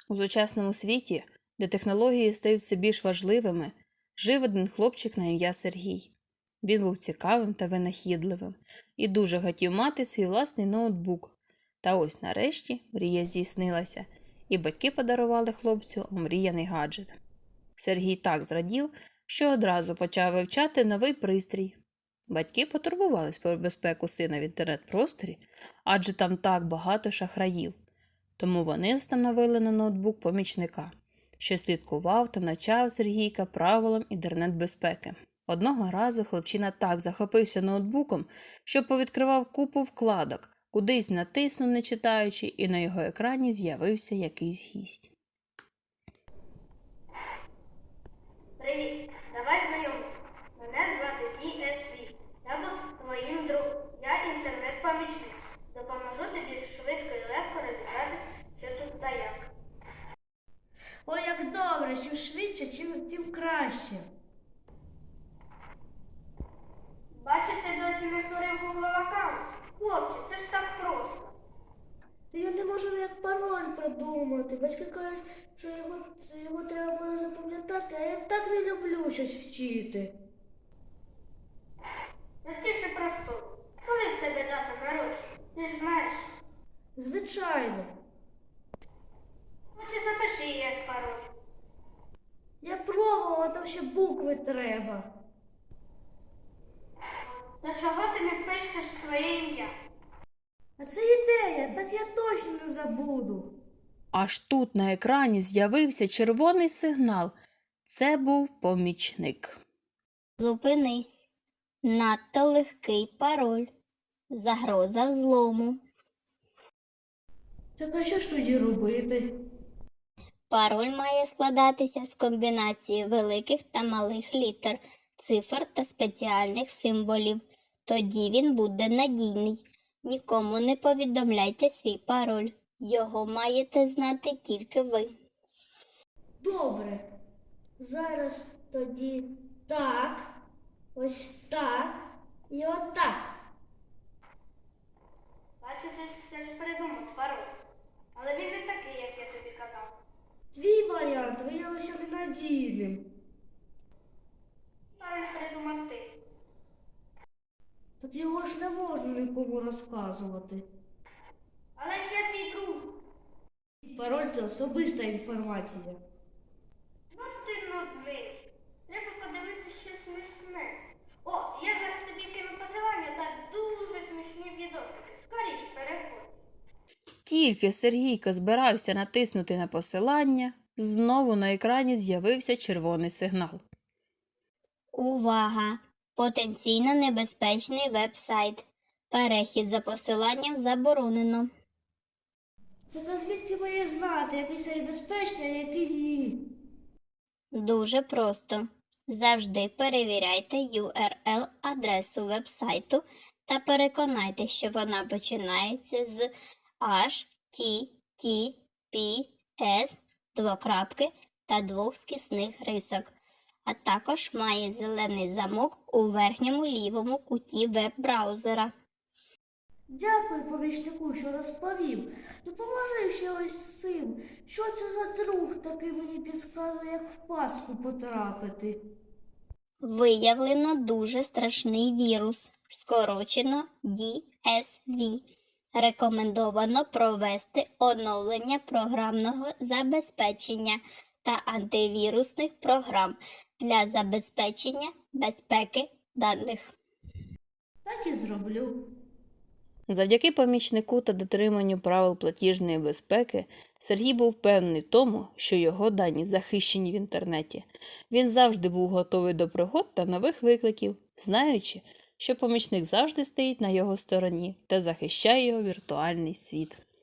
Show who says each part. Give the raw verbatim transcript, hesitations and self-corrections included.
Speaker 1: У сучасному світі, де технології стають все більш важливими, жив один хлопчик на ім'я Сергій. Він був цікавим та винахідливим і дуже хотів мати свій власний ноутбук. Та ось нарешті мрія здійснилася, і батьки подарували хлопцю омріяний гаджет. Сергій так зрадів, що одразу почав вивчати новий пристрій. Батьки потурбувались про безпеку сина в інтернет-просторі, адже там так багато шахраїв. Тому вони встановили на ноутбук помічника, що слідкував та навчав Сергійка правилам інтернет-безпеки. Одного разу хлопчина так захопився ноутбуком, що повідкривав купу вкладок, кудись натиснув, не читаючи, і на його екрані з'явився якийсь гість.
Speaker 2: Привіт, давай знайомитися. Мене звати Ді Ес Ві. Я буду твоїм другом. Я інтернет-помічник. Допоможу тобі швидко і легко розібратися, що тут та як.
Speaker 3: Ой, як добре, чим швидше, чим тим краще.
Speaker 2: Бачу, ти досі не створив Google аккаунт. Хлопче, це ж так просто.
Speaker 3: Та я не можу ніяк пароль придумати. Батьки кажуть, що його, його треба було запам'ятати, а я так не люблю щось вчити.
Speaker 2: Простіше просто. Коли в тебе дата народження? Ти ж знаєш.
Speaker 3: Звичайно.
Speaker 2: Хоче запиши її як пароль.
Speaker 3: Я пробувала, там ще букви треба.
Speaker 2: До чого ти не пишеш своє ім'я?
Speaker 3: А це ідея, так я точно не забуду.
Speaker 1: Аж тут на екрані з'явився червоний сигнал. Це був помічник.
Speaker 4: Зупинись. Надто легкий пароль. Загроза взлому.
Speaker 3: Так а що ж тоді робити?
Speaker 4: Пароль має складатися з комбінації великих та малих літер, цифр та спеціальних символів. Тоді він буде надійний. Нікому не повідомляйте свій пароль. Його маєте знати тільки ви.
Speaker 3: Добре. Зараз тоді так, ось так і отак.
Speaker 2: Бачу, ти ж все ж придумав пароль. Але він не такий, як я тобі казав.
Speaker 3: Твій варіант виявився ненадійним.
Speaker 2: Пароль придумав ти.
Speaker 3: Так його ж не можна нікому розказувати.
Speaker 2: Але ж я твій друг.
Speaker 3: Пароль – це особиста інформація.
Speaker 2: Ну ти новий. Треба подивитися щось смішне. О, я зараз тобі кину посилання та дуже смішні відосики. Скоріш переходь.
Speaker 1: Тільки Сергійко збирався натиснути на посилання, знову на екрані з'явився червоний сигнал.
Speaker 4: Увага! Потенційно небезпечний веб-сайт. Перехід за посиланням заборонено.
Speaker 3: Так а звідки має знати, який сайт безпечний, а який ні?
Speaker 4: Дуже просто. Завжди перевіряйте ю ар ел-адресу веб-сайту та переконайте, що вона починається з ейч ті ті пі ес двокрапки та двох скісних рисок, а також має зелений замок у верхньому лівому куті веб-браузера.
Speaker 3: Дякую помічнику, що розповів. Допоможи ще ось з цим. Що це за друг такий мені підказує, як в пастку потрапити?
Speaker 4: Виявлено дуже страшний вірус, скорочено ді ес ві. Рекомендовано провести оновлення програмного забезпечення та антивірусних програм для забезпечення безпеки даних.
Speaker 3: Так і зроблю.
Speaker 1: Завдяки помічнику та дотриманню правил платіжної безпеки Сергій був впевнений в тому, що його дані захищені в інтернеті. Він завжди був готовий до пригод та нових викликів, знаючи, що помічник завжди стоїть на його стороні та захищає його віртуальний світ.